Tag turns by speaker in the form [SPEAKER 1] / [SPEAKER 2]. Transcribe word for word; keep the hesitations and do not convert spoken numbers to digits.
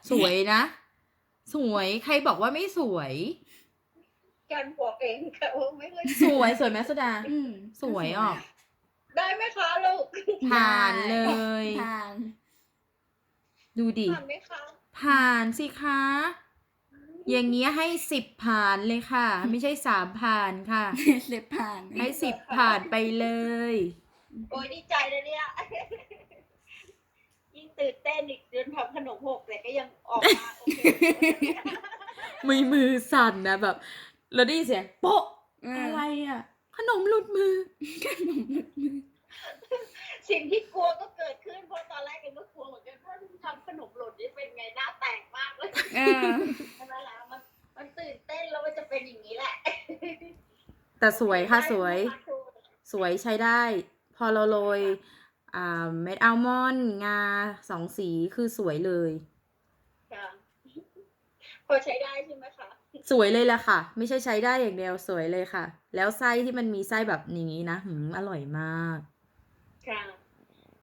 [SPEAKER 1] สวยนะ สวยใครบอกว่าไม่สวย
[SPEAKER 2] กันบอกเองค่ะว่าไม่ค่อย
[SPEAKER 1] สวยสวยไหมสุดา
[SPEAKER 3] อืม
[SPEAKER 1] สวยออก
[SPEAKER 2] ได้ไหมคะลูก
[SPEAKER 1] ผ่านเลย
[SPEAKER 3] ผ่าน
[SPEAKER 1] ดูดิ
[SPEAKER 2] ผ่านไหมคะ
[SPEAKER 1] ผ่านสิคะ อย่างเงี้ยให้สิบผ่านเลยค่ะ ไม่ใช่สามผ่านค่ะ
[SPEAKER 3] เล็บผ่าน
[SPEAKER 1] ให้สิบผ่านไปเลย
[SPEAKER 2] โอ้ยดีใจเลยเนี่ย ยิ่งตื่นเต้นอีกจนทำขนมหกแต่ก็ยังออกมาโอเค
[SPEAKER 1] มือมือสั่นนะแบบ แล้วได้ยินเสียงโป๊ะ
[SPEAKER 3] เอออ
[SPEAKER 1] อะไรอ่ะ ขนมหลุดมือ
[SPEAKER 2] สิ่งที่กลัวก็เกิดขึ้นเพราะตอนแรกเองก็กลัวเหมือนกันว่าทำขนมหล่นนี่เป็นไงหน้าแตกมากเลย
[SPEAKER 3] เออ
[SPEAKER 2] นั่นแหละมันมันตื่นเต้นแล้วมันจะเป็นอย่างนี้แหละ
[SPEAKER 1] แต่สวยค่ะสวย
[SPEAKER 2] ได้ไหมคะครู
[SPEAKER 1] สวยใช้ได้ พอเราโรยอ่าเม็ดอัลมอนด์งาสองสีคือสวยเลย
[SPEAKER 2] ค่ะพอใช้ได้ใช่ไหมคะ
[SPEAKER 1] สวยเลยแหละค่ะ ไม่ใช่ใช้ได้อย่างเดียวสวยเลยค่ะ แล้วไส้ที่มันมีไส้แบบนี้นะหืมอร่อยมาก
[SPEAKER 2] ค่ะ